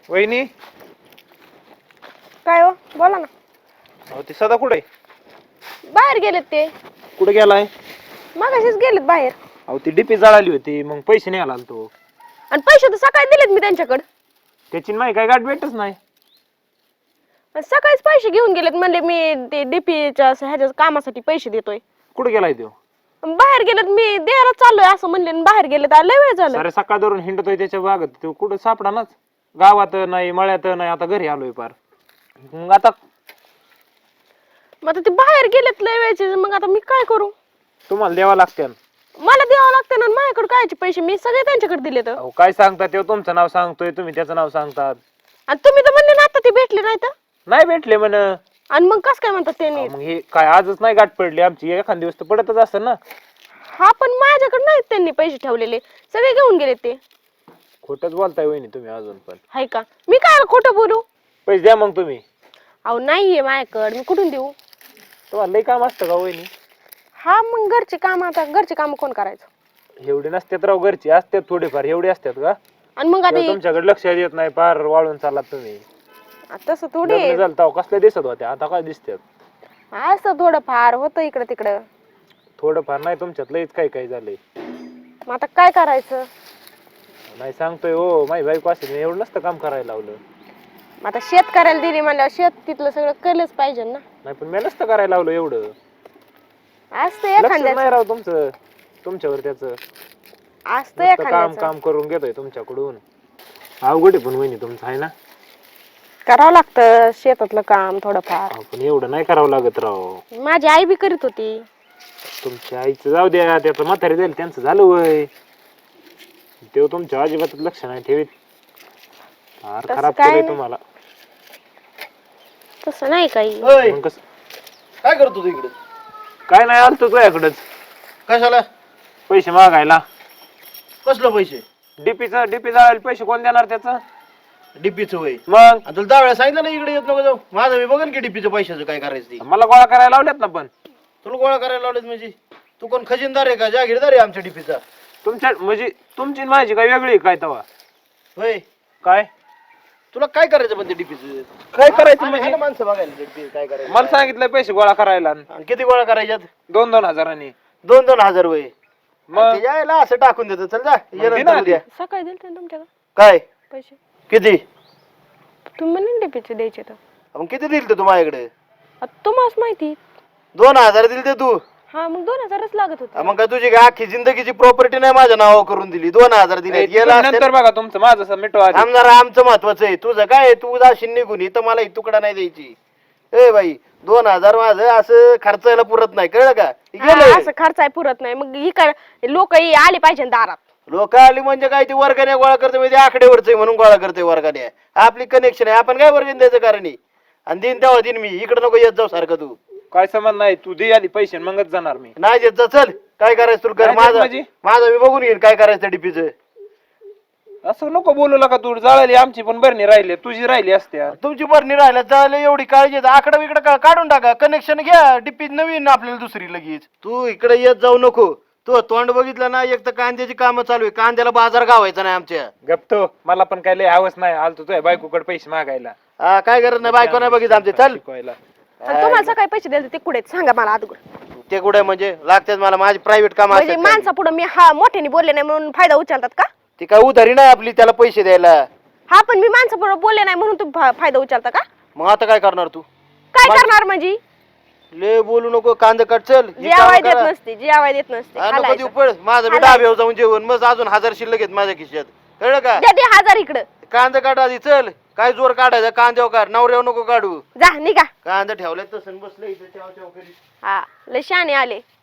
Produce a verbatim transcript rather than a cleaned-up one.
वहिनी काय हो बोला ना. अहो ती सदा कुठे बाहेर गेलेत ते. कुठे गेलाय? मगाशीच गेलेत बाहेर. अहो ती डीपी जळाली होती मग पैसे नाही आला तो. आणि पैसे तर सकाळी दिलेत मी त्यांच्याकडे. त्याची नाही काय गाठ भेटच नाही. सकाळीच पैसे घेऊन गेलेत म्हणले मी ते डीपीच्या ह्याच्या कामासाठी पैसे देतोय. कुठे गेलाय तो? बाहेर गेलेत मी द्यायला चाललोय असं म्हणले बाहेर गेलेत. लय वेळ झालं. अरे सकाळ धरून हिंडतोय त्याच्या बागत तो कुठं सापडानाच. गावात नाही मळ्यात नाही आता घरी आलोय पार. मग आता मग आता ते बाहेर गेलेत लय वेळचे. मग आता मी काय करू? तुम्हाला द्यावा लागते. मला द्यावं लागतं ना. माझ्याकडे कायचे पैसे मी सगळे त्यांच्याकडे दिले. तर अहो काय सांगता ते तुमचं नाव सांगतोय तुम्ही त्याचं नाव सांगतात. आणि तुम्ही तर म्हणले ना आता ते भेटले नाही तर. नाही भेटले म्हण. आणि मग कस काय म्हणतात त्यांनी? मग हे काय आजच नाही गाठ पडली आमची. एखाद दिवस तर पडतच असतं ना. हा पण माझ्याकडे नाहीत त्यांनी पैसे ठेवलेले. सगळे घेऊन गेले ते. खोटच बोलताय वहिनी तुम्ही अजून पण. हाय का? मी काय खोटं बोलू? पैसे द्या मग तुम्ही. अहो नाहीये माझ्याकडे. मी कुठून देऊ? तुम्हाला लई काम असतं का वहिनी? हा मग घरचे काम. आता घरचे काम कोण करायचं? एवढे नसतात राव. घरची असतात थोडेफार. एवढे असतात का? आणि मग आता तुमच्याकडे लक्ष येत नाही. पार वाळून चाललात तुम्ही. तसं थोडी चालता कसले दिसत होते आता काय दिसतात? असं थोडं फार होतं इकडं तिकडं. थोडंफार नाही तुमच्यात लईच काय काय झालंय. मग आता काय करायचं? नाही सांगतोय हो माझी बायको असेल एवढं नसतं काम करायला लावलं. मग आता शेतकऱ्याला दिली म्हणल्यावर शेत तिथलं सगळं केलंच पाहिजे ना. नाही पण मी नसतं करायला लावलं एवढं. असतं लक्ष एखाद्या नाही राव तुमचं तुमच्यावर त्याच. असतं काम एखाद्याचं. काम करून घेतोय तुमच्याकडून. अवघड आहे पण वहिनी तुमचं आहे ना. करावं लागतं शेतातलं काम थोडंफार. अहो, पण एवढं नाही करावं लागत राव. माझी आई बी करीत होती. तुमच्या आईचं जाऊ द्या. त्याचं म्हातारी जाईल त्यांचं झालं वय. तेव्हा तुमच्या अजिबातच लक्ष नाही ठेवीत. फार तसं खराब काय केलंय नाही. तुम्हाला. तसं नाही काही. मग कसं काय करतो तू इकडे? काय नाही आलतो तुझ्याकडंच कशाला? पैसे मागायला. कसलं पैसे? डीपीचा डीपी जाळायला पैसे कोण देणार त्याचं? डीपीचं वय. मग आणि तुला दहा वेळा सांगितलं ना इकडे येत नको जाऊ. माझं मी बघन की डीपीचं पैशाचं काय करायचं ते. मला गोळा करायला लावल्यात ना. पण तुला गोळा करायला लावलेत म्हणजे तू कोण खजिनदार आहे का जागीरदार आहे आमच्या डीपीचा? तुमच्या म्हणजे तुमची आणि माझी काय वेगळी आहे काय तवा? होय. काय तुला काय करायचं पण ते डीपीचं? काय करायचं म्हणजे? माणसं बघायला DP काय करायचं. मला सांगितलं पैसे गोळा करायला. आणि किती गोळा करायच्यात? दोन दोन हजारांनी. दोन दोन हजार वय. मग मग यायला असं टाकून देतो. चल जा ये मग दे नंतर ना उद्या. सकाळी दिलते ना तुमच्याकडे काय पैसे. किती? तुम्ही म्हणले डीपीचे द्यायचे तर. मग किती दिल तू माझ्याकडे? आता तुम्हालाच माहिती. दोन हजार दिल ते तू. हा मग दोन हजारच लागत होते. मग काय तुझी काय अख्खी जिंदगीची प्रॉपर्टी नाही माझ्या नावावर करून दिली? दोन हजार दिले. गेला नंतर बघा तुमचं माझं मिटवा आधी. आमदार आमचं महत्वाचं आहे. तुझं काय? तू जाशील निघून इथं मला एक तुकडा नाही द्यायची. ए बाई दोन हजार माझं असं खर्चायला पुरत नाही कळलं का? हा, असं खर्च आहे पुरत नाही. मग इकडे लोक आले पाहिजे दारात. लोक आली म्हणजे काय ती वर्गाने गोळा करते म्हणजे आकडेवरच म्हणून गोळा करते वर्गाने. आपली कनेक्शन आहे. आपण काय वर्गण द्यायचं कारण आहे? आणि दिन तेव्हा दिन मी इकडे नको येत जाऊ सारखं. तू काय समज नाही. तू दे आधी पैसे मगच जाणार मी. नाही देत जा. चल काय करायचं तुला कर. नाही देत माझं म्हणजे? माझं मी बघून घेईन काय करायचं डीपीचं. असं नको बोलू नका. तू जाळली आमची पण बरणी राहिली तुझी राहिली असते. तुमची बरणी राहिल्या चालेल एवढी काळजी. आकडा बिकडा काढून टाका. कनेक्शन घ्या. डीपी नवीन आपल्याला दुसरी लगेच. तू इकडे येत जाऊ नको. तू तोंड बघितलं ना. एक तर कांद्याची कामं चालू आहे. कांद्याला बाजार गावायचा नाही आमच्या. गप्तो मला पण काय लय हवस नाही. आलतो तुझ्या बायकोकडे पैसे मागायला. हा काय करत नाही. बायको नाही बघित आमचे. चल शिकवायला. आणि तुम्हाला सकाळी पैसे द्यायचे ते कुठे सांगा मला अगोदर. ते कुठे म्हणजे लागतात मला माझी प्रायव्हेट काम म्हणजे माणसा पुढे मी हा मोठ्याने बोलले नाही म्हणून फायदा उचलतात का? ती काय उधारी नाही आपली त्याला पैसे द्यायला. हा पण मी माणसा पुढे बोलले नाही म्हणून तुम्ही फायदा उचलता का? मग आता काय करणार तू? काय करणार म्हणजे? ले बोलू नको. कांदा कट. चल जी आवाज देत नसते. जी आवाज देत नसते. नको हालायचं. देऊ पळ. माझं मी डाब्यावर जाऊन जेवण मग अजून हजार शिल्लक आहेत माझ्या खिशात कळलं का? द्या ते हजार इकडं. कांदा काढ आधी. चल काय जोर काढायचा कांद्यावर काढ. नवऱ्यावर नको काढू. जा निघा. कांदा ठेवलाय तसं बसलं इथं चाव चाव करीत. हा लय शाने आले.